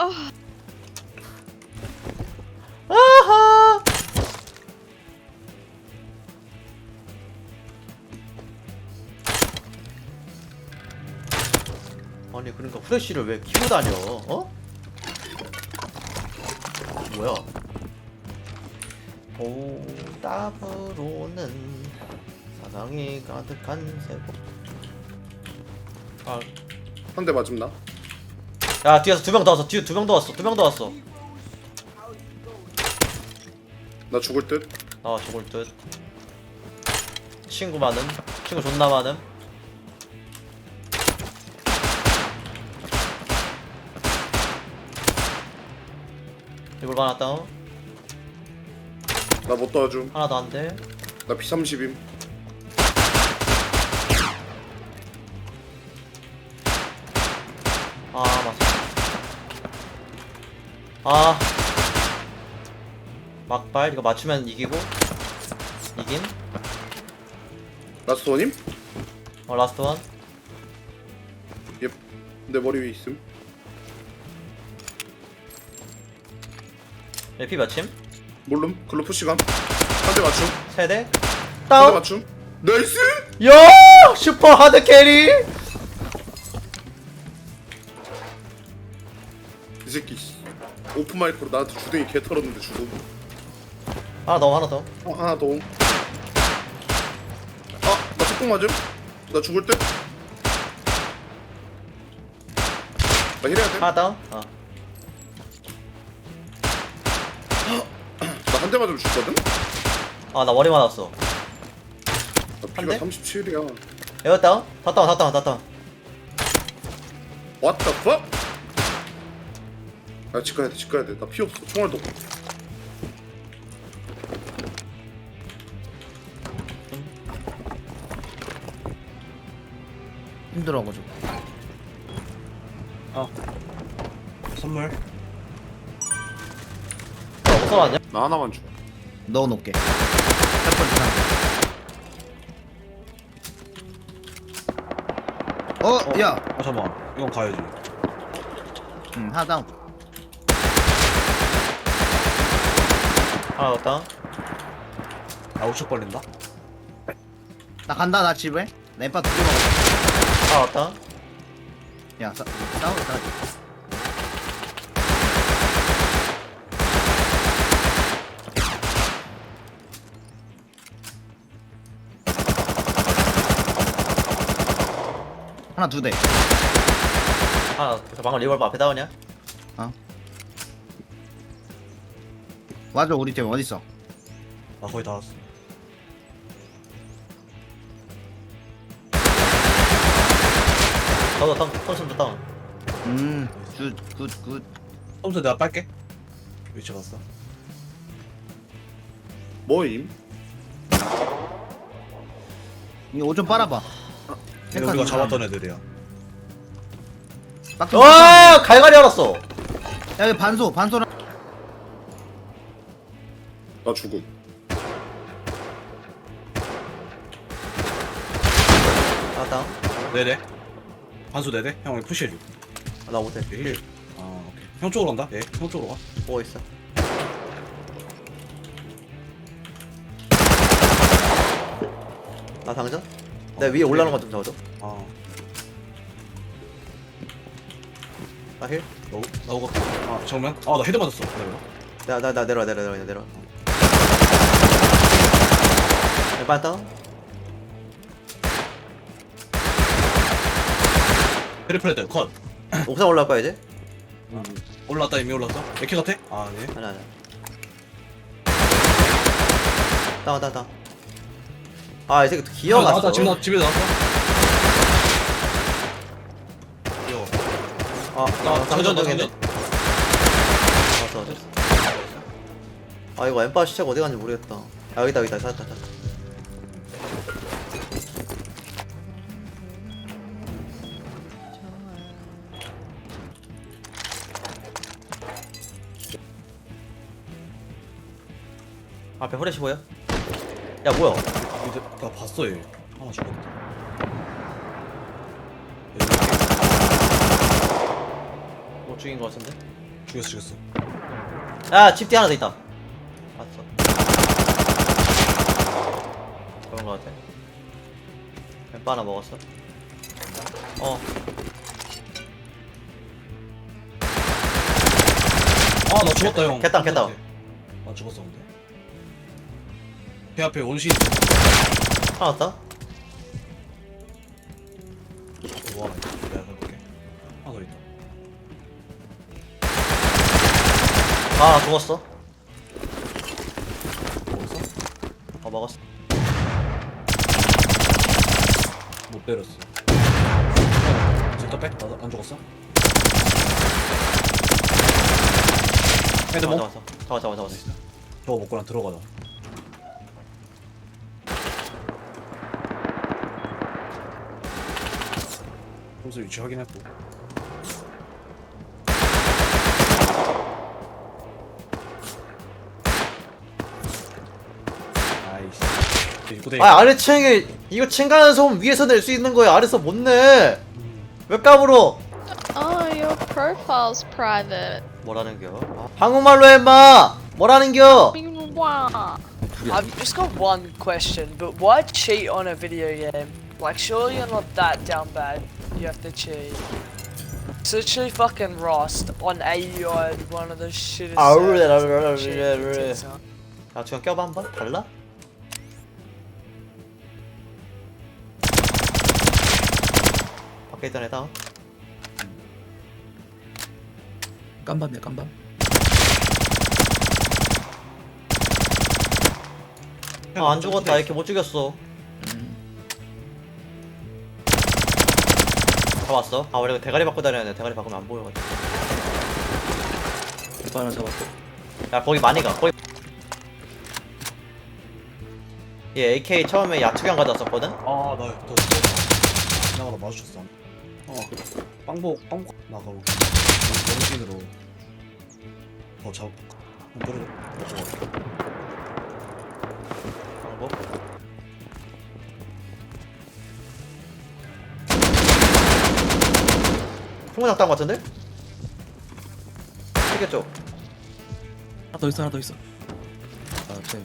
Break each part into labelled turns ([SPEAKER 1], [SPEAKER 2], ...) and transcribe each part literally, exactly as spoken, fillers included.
[SPEAKER 1] 아,
[SPEAKER 2] 아하. 아니 그러니까 후레쉬를 왜 키고 다녀? 어? 뭐야? 오답으로는 사랑이 가득한 세고. 아,
[SPEAKER 3] 한 대 맞음 나.
[SPEAKER 2] 야 뒤에서 두 명 더 왔어. 뒤에 두 명 더 왔어. 두 명 더 왔어.
[SPEAKER 3] 나 죽을 듯.
[SPEAKER 2] 아 죽을 듯. 친구 많음. 친구 존나 많음. 이걸 하나 다운.
[SPEAKER 3] 나 못 도와줌.
[SPEAKER 2] 하나 더 안 돼.
[SPEAKER 3] 나 피 삼십임.
[SPEAKER 2] 아 맞아. 아 막발 이거 맞추면 이기고. 이긴.
[SPEAKER 3] 라스트 원임?
[SPEAKER 2] 어 라스트 원.
[SPEAKER 3] 예. 내 머리 위에 있음.
[SPEAKER 2] 에피 맞춤.
[SPEAKER 3] 몰름. 글로 푸시감. 한 대 맞춤.
[SPEAKER 2] 세대.
[SPEAKER 3] 한 대
[SPEAKER 2] 다운.
[SPEAKER 3] 맞춤. 나이스!
[SPEAKER 2] 야 슈퍼 하드 캐리.
[SPEAKER 3] 이 새끼 씨. 오픈 마이크로 나한테 주둥이 개 털었는데 죽음.
[SPEAKER 2] 하나 더 하나 더.
[SPEAKER 3] 어, 하나 더. 아, 나 속공 맞음? 나 죽을 듯? 나 힐해야 돼?
[SPEAKER 2] 하나 다운. 어.
[SPEAKER 3] 나 한 대 맞으면 죽거든?
[SPEAKER 2] 아 나 머리 맞았어.
[SPEAKER 3] 나
[SPEAKER 2] 한
[SPEAKER 3] 피가
[SPEAKER 2] 대?
[SPEAKER 3] 삼십칠이야.
[SPEAKER 2] 에어 다운. 다 다운 다 다운 다 다운.
[SPEAKER 3] What the fuck? 아, 집 가야 돼, 집 가야 돼. 나 피 없어. 총알도 없고.
[SPEAKER 4] 힘들어가지고.
[SPEAKER 5] 선물.
[SPEAKER 2] 야 어디서 왔냐?
[SPEAKER 3] 나 하나만 줘.
[SPEAKER 4] 넣어놓을게. 첫 번째 상. 어,
[SPEAKER 5] 어?
[SPEAKER 4] 야,
[SPEAKER 5] 아 잠깐만. 이건 가야지.
[SPEAKER 4] 응, 하나 다운.
[SPEAKER 2] 하나 더 다운.
[SPEAKER 5] 아 우측 벌린다.
[SPEAKER 4] 나 간다, 나 집에. 나 엠파 두개 먹었어.
[SPEAKER 2] 하나 더 다운.
[SPEAKER 4] 야, 싸, 싸우고 있다. 하나 두 대.
[SPEAKER 2] 하나 저 방금 리볼버 앞에 다운이야?
[SPEAKER 4] 맞아, 우리 팀 어딨어?
[SPEAKER 5] 나 거의 다 왔어.
[SPEAKER 2] 저도 다운. 선수도 다운.
[SPEAKER 4] 음, 굿, 굿, 굿.
[SPEAKER 5] 톰스 내가 빨게. 위치 봤어.
[SPEAKER 3] 뭐임?
[SPEAKER 4] 이거 옷 좀 빨아봐.
[SPEAKER 5] 근데 우리가 잡았던 애들이야.
[SPEAKER 4] 빡
[SPEAKER 2] 와 갈갈이 알았어.
[SPEAKER 4] 야, 여기 반소, 반소랑.
[SPEAKER 3] 나 죽음.
[SPEAKER 2] 하나 다운.
[SPEAKER 5] 네네. 반수 네네. 형 여기 푸시해줘.
[SPEAKER 2] 아, 나 못해.
[SPEAKER 5] 힐. 아 오케이. 형 쪽으로 간다. 예. 형 쪽으로 가.
[SPEAKER 2] 보고 있어. 나 당전? 내 위에 올라오는 거 좀 잡아줘.
[SPEAKER 5] 아
[SPEAKER 2] 나 힐.
[SPEAKER 5] 나오 나오고. 아 정면. 아 나 헤드 맞았어. 기다려.
[SPEAKER 2] 나 나 나 내려와 내려와 내려와 내려와. 반 다운.
[SPEAKER 5] 트리플 헤드 컷.
[SPEAKER 2] 옥상 올라갈 거야 이제?
[SPEAKER 5] 음. 올랐다 이미 올랐어. 에키 같아? 아 네.
[SPEAKER 2] 아니 아니. 다운 다운 다운. 아 이 새끼 또
[SPEAKER 5] 아,
[SPEAKER 2] 기어갔어.
[SPEAKER 5] 나왔다. 집에 나 집에 나왔어. 귀여워.
[SPEAKER 2] 아,
[SPEAKER 5] 나
[SPEAKER 2] 나
[SPEAKER 5] 장전 나
[SPEAKER 2] 장전적이네.
[SPEAKER 5] 장전.
[SPEAKER 2] 왔어 왔어. 아 이거 엠파 시체가 어디 갔는지 모르겠다. 아 여기다 여기다 찾았다 찾았다. 앞에 후레쉬 보여? 야 뭐야?
[SPEAKER 5] 이제 나 봤어 얘. 하나 죽었다.
[SPEAKER 2] 못 죽인 거 같은데?
[SPEAKER 5] 죽였어 죽였어.
[SPEAKER 2] 야, 집 뒤 하나 더 있다. 봤어. 그런 거 같아. 엠빠 하나 먹었어. 어.
[SPEAKER 5] 아 나 죽었다 형.
[SPEAKER 2] 깼다, 깼다.
[SPEAKER 5] 나 죽었어 근데. 배 앞에 원시.
[SPEAKER 2] 하나 왔다.
[SPEAKER 5] 와 내가 가볼게. 하나 더 있다.
[SPEAKER 2] 아, 죽었어.
[SPEAKER 5] 먹었어?
[SPEAKER 2] 어, 먹었어.
[SPEAKER 5] 못 때렸어. 진짜 빼? 나 안 죽었어? 헤드
[SPEAKER 2] 잡아,
[SPEAKER 5] 뭐?
[SPEAKER 2] 잡아, 잡아, 잡아, 잡아.
[SPEAKER 5] 저거 먹고 난 들어가자. 점수 위치 확인했고. 아이씨. 입구대.
[SPEAKER 2] 아, 아래층에 이거 층간한 소음 위에서 낼 수 있는 거야. 아래서 못 내. 왜 까불어?
[SPEAKER 1] Oh, your profile's private.
[SPEAKER 2] 뭐라는겨? 아, 한국말로 해, 임마. 뭐라는겨?
[SPEAKER 1] Wow.
[SPEAKER 6] I've just got one question, but why cheat on a video game? Like, surely you're not that down bad. You have to cheat. It's literally fucking Rust on A U I, one of the shittest.
[SPEAKER 2] Ah,
[SPEAKER 6] servers
[SPEAKER 2] really,
[SPEAKER 6] on
[SPEAKER 2] really,
[SPEAKER 6] shit
[SPEAKER 2] really, really.
[SPEAKER 6] Twitter.
[SPEAKER 2] 야, 주영 껴봐 한번. 달라? 밖에 있던 애다.
[SPEAKER 7] 깜밤이야 깜밤.
[SPEAKER 2] 아, 안 죽었다. 이렇게 못 죽였어. 잡았어. 아, 원래 대가리 바꿔 다녀야 돼. 대가리 바꾸면 안 보여가지고.
[SPEAKER 7] 오빠 하나 잡았고.
[SPEAKER 2] 야, 거기 많이 가. 거기. 얘 에이케이 처음에 야투경 가져왔었거든?
[SPEAKER 5] 아, 나, 너, 나가다 마주쳤어. 어, 빵복, 빵복 나가고. 원신으로. 더 잡고. 떨어져. 먹고 가.
[SPEAKER 2] 방법. 풍문학 딴거 같은데? 되겠죠?
[SPEAKER 7] 하나 더 있어 하나 더 있어. 아 쟤.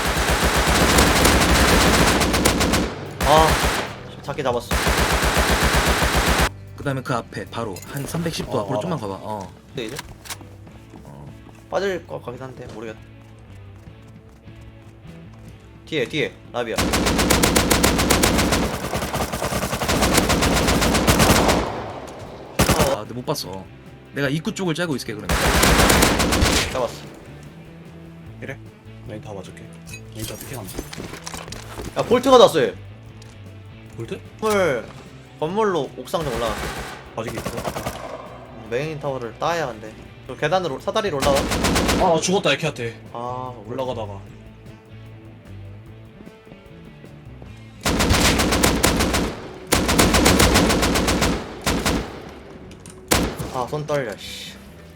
[SPEAKER 2] 아, 작게 잡았어.
[SPEAKER 7] 그다음에 그 앞에 바로 한 삼백십 도
[SPEAKER 5] 어,
[SPEAKER 7] 앞으로
[SPEAKER 5] 알아.
[SPEAKER 7] 좀만 가봐. 어.
[SPEAKER 2] 근데 이제? 빠질 것 같긴 한데 모르겠다. 뒤에 뒤에 라비야.
[SPEAKER 7] 아 근데 못 봤어. 내가 입구 쪽을 짜고 있을게 그러면.
[SPEAKER 2] 잡았어.
[SPEAKER 5] 이래? 메인 다 맞을게. 메인 다 피킹한다.
[SPEAKER 2] 야, 볼트가 났어 얘.
[SPEAKER 5] 볼트?
[SPEAKER 2] 건물 건물로 옥상 좀 올라가.
[SPEAKER 5] 아직 있어.
[SPEAKER 2] 메인 타워를 따야 한대. 저 계단으로 사다리로 올라가.
[SPEAKER 5] 아, 나 죽었다, 에키한테.
[SPEAKER 2] 아, 올라.
[SPEAKER 5] 올라가다가.
[SPEAKER 2] 아, 손 떨려. 씨.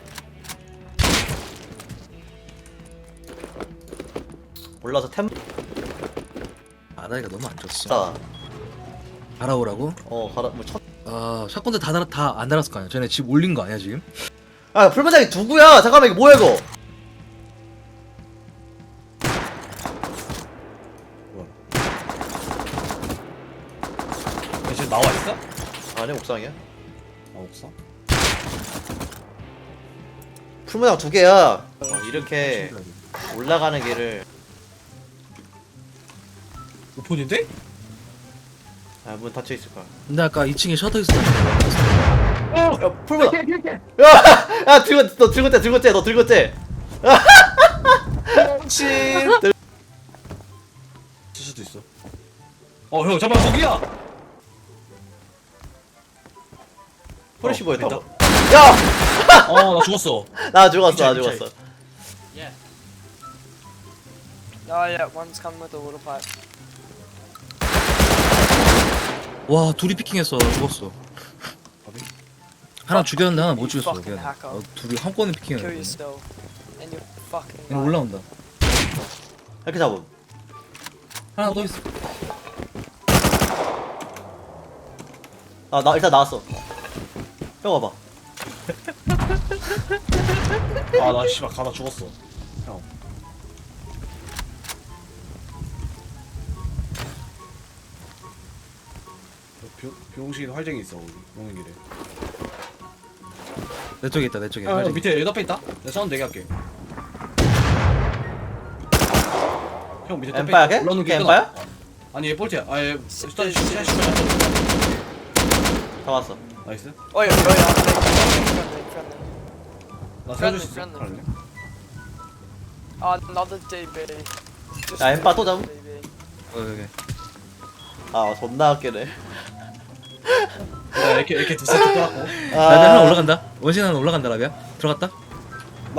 [SPEAKER 2] 올라서 템.
[SPEAKER 7] 아다리가 너무 안 좋았어.
[SPEAKER 2] 자,
[SPEAKER 7] 알아오라고?
[SPEAKER 2] 어, 가라. 뭐 첫.
[SPEAKER 7] 아 샷건들 다 달아 다안 달았을 거 아니야. 쟤네 집 올린 거 아니야 지금?
[SPEAKER 2] 아, 불만장이 누구야? 잠깐만 이게 뭐야 이거?
[SPEAKER 5] 뭐야. 얘 지금 나와 있어?
[SPEAKER 2] 아니, 옥상이야.
[SPEAKER 5] 아, 없어?
[SPEAKER 2] 풀무장 두 개야. 어, 이렇게 올라가는 길을.
[SPEAKER 5] 오픈인데?
[SPEAKER 2] 아, 문 닫혀 있을 거야.
[SPEAKER 7] 근데 아까 이 층에 셔터 있었다는
[SPEAKER 2] 야, 풀무장. 야, 야, 들고 너 들고 째, 들고 째, 너 들고 째.
[SPEAKER 5] 씨. 쓸 수도 있어. 어, 형, 잠깐 거기야.
[SPEAKER 2] 프레시
[SPEAKER 5] 어,
[SPEAKER 2] 보였다.
[SPEAKER 5] 됐다.
[SPEAKER 2] 야,
[SPEAKER 5] 어, 나 죽었어.
[SPEAKER 2] 나 죽었어, 나
[SPEAKER 5] 미쳐,
[SPEAKER 2] 죽었어.
[SPEAKER 6] Oh yeah, one's come with a water pipe.
[SPEAKER 7] 와 둘이 피킹했어. 죽었어. 하나 죽였는데 하나 못 죽였어.
[SPEAKER 6] fucking
[SPEAKER 7] 그냥.
[SPEAKER 6] hacker.
[SPEAKER 7] 어, 둘이 한 번에
[SPEAKER 6] Kill
[SPEAKER 7] 피킹했어.
[SPEAKER 6] yourself. And you're fucking.
[SPEAKER 7] 그냥 올라온다.
[SPEAKER 2] 이렇게 잡음.
[SPEAKER 7] 하나 더 있어.
[SPEAKER 2] 아, 나 일단 나왔어. 형 와봐.
[SPEAKER 5] 아나 씨발 가다 죽었어. 형. 병 병신 활쟁이 있어 우리 오는 길에.
[SPEAKER 7] 내 쪽에 있다 내 쪽에.
[SPEAKER 5] 아,
[SPEAKER 7] 빨리.
[SPEAKER 5] 밑에 옆에 있다. 내가 사운드 얘기할게. 형 밑에 옆에
[SPEAKER 2] 엠파야
[SPEAKER 5] 있다.
[SPEAKER 2] 걔?
[SPEAKER 5] 올라오는
[SPEAKER 2] 걔
[SPEAKER 5] 길
[SPEAKER 2] 엠파야?
[SPEAKER 5] 끊어. 아니 얘 볼트야. 아얘 스타일 슈퍼
[SPEAKER 2] 잡았어.
[SPEAKER 5] 나이스.
[SPEAKER 6] Oh yeah, oh yeah. Friendly, friendly.
[SPEAKER 5] 나
[SPEAKER 6] Friendly,
[SPEAKER 5] 살려줄 수 있어.
[SPEAKER 6] friendly.
[SPEAKER 5] 갈래?
[SPEAKER 6] Oh, another D B. Just
[SPEAKER 2] 야, 엠파 또 잡음?
[SPEAKER 6] D B.
[SPEAKER 7] 어, 여기.
[SPEAKER 2] 아 존나 웃기네.
[SPEAKER 5] 나 이렇게 이렇게 두 세트 떠갖고.
[SPEAKER 7] 나 하나 올라간다. 원신 하나 올라간다 라비야. 들어갔다.